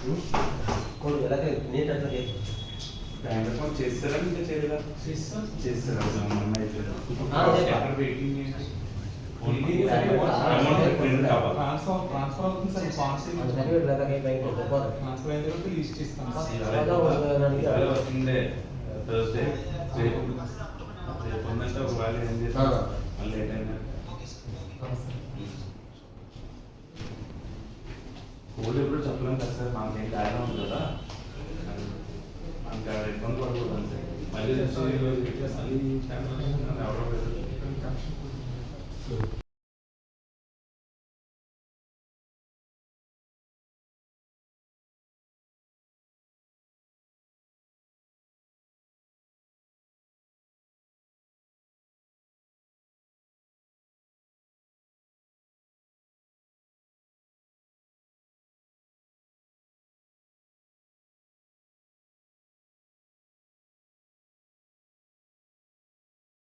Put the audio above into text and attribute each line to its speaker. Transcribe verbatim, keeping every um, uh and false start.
Speaker 1: कोण गेला काय नीट असं घे
Speaker 2: బ్యాంక్ అకౌంట్ చేస్తారా ఇంకా చేయలేదా
Speaker 3: చేస్తాం
Speaker 2: చేస్తారా మొన్న అయిపోయింది
Speaker 1: ఆ, అదే.
Speaker 2: అక్కడ వెయిటింగ్ ఏంటి ఓన్లీ
Speaker 1: అమౌంట్
Speaker 2: అమౌంట్ ప్రింట్ కావాలి
Speaker 3: ట్రాన్స్ఫర్ ట్రాన్స్ఫర్ అవుతుంది సార్ పాలసీ
Speaker 1: అది సర్టిఫికేట్ లేదా కై బ్యాంక్ లో పోరా
Speaker 3: ట్రాన్స్ఫర్ అయిన తర్వాత లిస్ట్ ఇస్తాం సార్
Speaker 1: అదో దానికి
Speaker 2: వచ్చిందే థర్స్డే రేపు రేపు ఉందంటే ఒక వాళ్ళు ఏం చేస్తారు మళ్ళీ లేట్ అయినా కోడ్ ఎప్పుడు చెప్పలేం కదా సార్ మాకేం కారణం ఉంది కదా మనకి ఇబ్బంది పడకూడదు అంతే మళ్ళీ మళ్ళీ ఎవరో